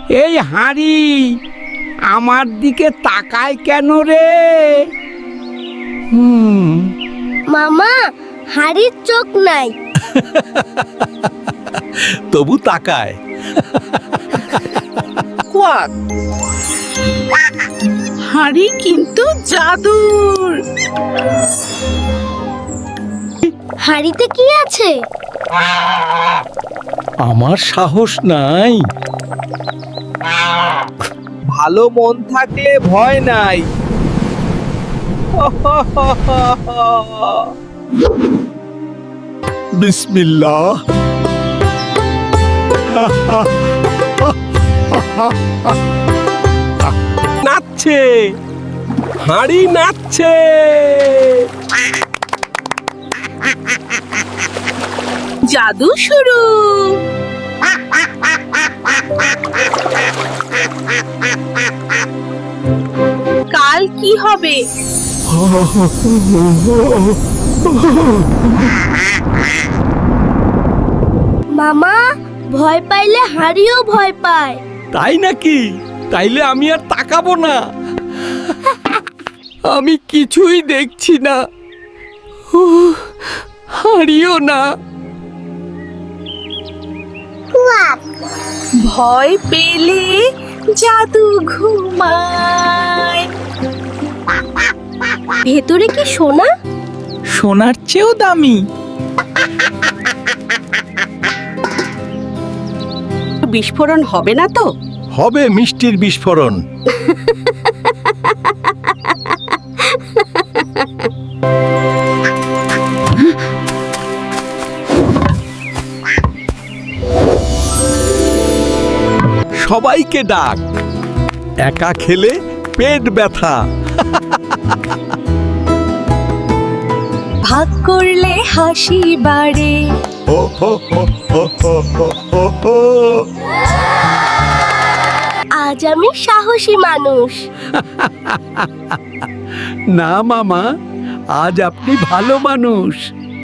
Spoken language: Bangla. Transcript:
এই হাঁড়ি আমার দিকে তাকায় কেন রে? মামা, হাড়ির চোখ নাই। তবু তাকায়। কোয়াক, হাঁড়ি কিন্তু জাদুর। হাড়িতে কি আছে? আমার সাহস নাই। ভালো মন থাকলে ভয় নাই। বিসমিল্লাহ। নাচছে, হাঁড়ি নাচছে। জাদু শুরু। কাল কি হবে? মামা, ভয় পাইলে হাড়িও ভয় পায়। তাই নাকি? তাইলে আমি আর তাকাবো না। আমি কিছুই দেখছি না, হারিও না। ভয় পেলে জাদু ঘুমায়। ভেতরে কি সোনা? সোনার চেয়েও দামি। বিস্ফোরণ হবে না তো? হবে মিষ্টির বিস্ফোরণ। সবাইকে ডাক, একা খেলে পেট ব্যথা। ভাগ করলে হাসি বাড়ে। ও হো হো হো হো হো হো হো। আজ আমি সাহসী মানুষ। না মামা, আজ আপনি ভালো মানুষ।